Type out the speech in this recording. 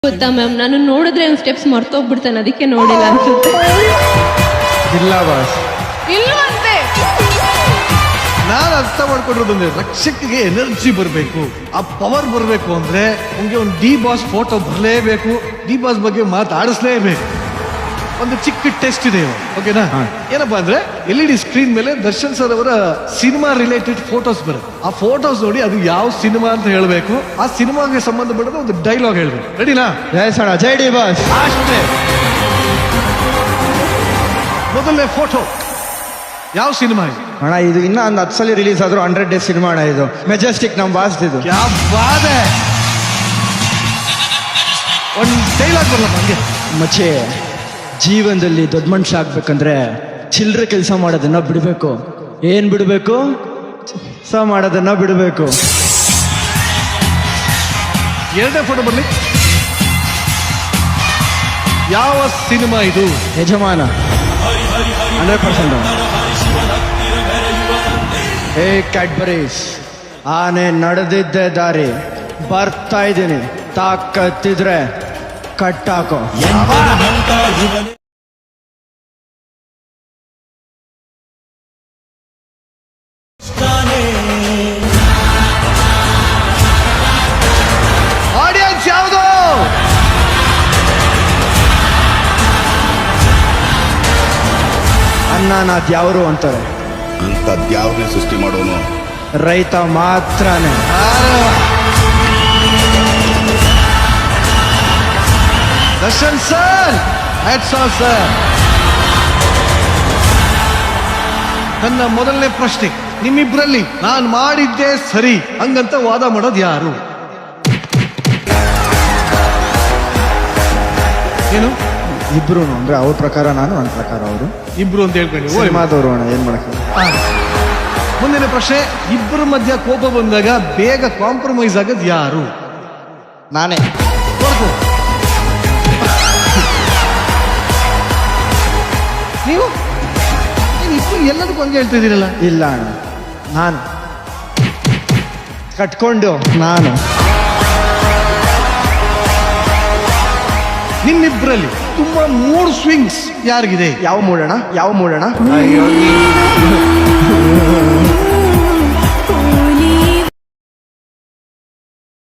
ಗೊತ್ತಾ ಮ್ಯಾಮ್, ನಾನು ನೋಡಿದ್ರೆ ಸ್ಟೆಪ್ಸ್ ಮರ್ತೋಗ್ಬಿಡ್ತಾನೆ, ಅದಕ್ಕೆ ನೋಡಿಲ್ಲ ಅನ್ಸುತ್ತೆ. ಇಲ್ಲ ಬಾಸ್, ಇಲ್ವಂತೆ. ನಾನು ಅರ್ಥ ಮಾಡ್ಕೊಂಡಿರೋದಂದ್ರೆ ರಕ್ಷಕಿಗೆ ಎನರ್ಜಿ ಬರಬೇಕು, ಆ ಪವರ್ ಬರಬೇಕು ಅಂದ್ರೆ ನಿಮ್ಗೆ ಒಂದು ಡಿ ಬಾಸ್ ಫೋಟೋ ಬರಲೇಬೇಕು, ಡಿ ಬಾಸ್ ಬಗ್ಗೆ ಮಾತಾಡಿಸ್ಲೇಬೇಕು. ಒಂದು ಚಿಕ್ಕ ಟೆಸ್ಟ್ ಇದೆ ಇವಾಗ, ಓಕೆನಾ? ಏನಪ್ಪಾ ಅಂದ್ರೆ LED ಸ್ಕ್ರೀನ್ ಮೇಲೆ ದರ್ಶನ್ ಸರ್ ಅವರ ಸಿನಿಮಾ ರಿಲೇಟೆಡ್ ಫೋಟೋಸ್ ಬರುತ್ತೆ. ಆ ಫೋಟೋಸ್ ನೋಡಿ ಅದು ಯಾವ ಸಿನಿಮಾ ಅಂತ ಹೇಳಬೇಕು, ಆ ಸಿನಿಮಾಗೆ ಸಂಬಂಧಪಟ್ಟ ಒಂದು ಡೈಲಾಗ್ ಹೇಳ್ಬೇಕು. ರೆಡಿನಾ? ಜೈ ಸಣ, ಜೈ ಡಿ ಬಾಸ್. ಅಷ್ಟೇ. ಮೊದಲನೇ ಫೋಟೋ ಯಾವ ಸಿನಿಮಾ ಇದು? ಅಣ್ಣ ಇದು ಇನ್ನ ಒಂದು 10 ಸಲ ರಿಲೀಸ್ ಆದ್ರೂ 100 ಡೇಸ್ ಸಿನಿಮಾ ಅಣ್ಣ ಇದು. ಮೆಜೆಸ್ಟಿಕ್ ನಮ್ ಬಾಸ್ ಇದು. ಕ್ಯಾ ಬಾತ್ ಹೈ. ಒಂದು ಡೈಲಾಗ್ ಬರಲ್ಲ ಹಂಗೆ. ಮಚ್ಚೆ, ಜೀವನದಲ್ಲಿ ದೊಡ್ಡ ಮನುಷ್ಯ ಆಗ್ಬೇಕಂದ್ರೆ ಚಿಲ್ಲರೆ ಕೆಲಸ ಮಾಡೋದನ್ನ ಬಿಡಬೇಕು. ಏನ್ ಬಿಡಬೇಕು? ಕೆಲಸ ಮಾಡೋದನ್ನ ಬಿಡಬೇಕು. ಎರಡನೇ ಫೋಟೋ ಬರ್ಲಿ. ಯಾವ ಸಿನಿಮಾ ಇದು? ಯಜಮಾನ 100%. ಹೇ ಕ್ಯಾಡ್ಬರೀಸ್, ಆನೆ ನಡೆದಿದ್ದೆ ದಾರಿ, ಬರ್ತಾ ಇದ್ದೀನಿ, ತಾಕತ್ತಿದ್ರೆ ಕಟ್ಟಾಕೋ. ಆಡಿಯನ್ಸ್ ಯಾವುದು? ಅನ್ನನಾಥ್ ಯಾವರು ಅಂತಾರೆ, ಅಂಥದ್ಯಾವ್ದನ್ನೇ ಸೃಷ್ಟಿ ಮಾಡೋನು ರೈತ ಮಾತ್ರನೇ. Darshan sir, hats off sir. ನನ್ನ ಮೊದಲನೇ ಪ್ರಶ್ನೆ, ನಿಮ್ಮಿಬ್ರಲ್ಲಿ ನಾನು ಮಾಡಿದ್ದೆ ಸರಿ ಹಂಗಂತ ವಾದ ಮಾಡೋದು ಯಾರು? ಏನು? ಇಬ್ರು ಅಂದ್ರೆ ಅವ್ರ ಪ್ರಕಾರ ನಾನು, ನನ್ನ ಪ್ರಕಾರ ಅವರು. ಇಬ್ರು ಅಂತ ಹೇಳ್ಕೊಂಡು ಸಿನಿಮಾದವರು ಅಣ್ಣ, ಏನ್ ಮಾಡಕ್ಕೆ. ಮುಂದಿನ ಪ್ರಶ್ನೆ, ಇಬ್ಬರ ಮಧ್ಯ ಕೋಪ ಬಂದಾಗ ಬೇಗ ಕಾಂಪ್ರಮೈಸ್ ಆಗೋದು ಯಾರು? ನಾನೇ. ಹೊರತು ನೀವು ಇಬ್ರು ಎಲ್ಲದಕ್ಕೂ ಹಂಗೆ ಹೇಳ್ತಿದ್ದೀರಲ್ಲ. ಇಲ್ಲ ಅಣ್ಣ, ನಾನು ಕಟ್ಕೊಂಡು ನಾನು. ನಿಮ್ಮಿಬ್ಬರಲ್ಲಿ ತುಂಬಾ ಮೂಡ್ ಸ್ವಿಂಗ್ಸ್ ಯಾರಿಗಿದೆ? ಯಾವ ಮೂಡೋಣ, ಯಾವ ಮೂಡೋಣ? ಅಯ್ಯೋ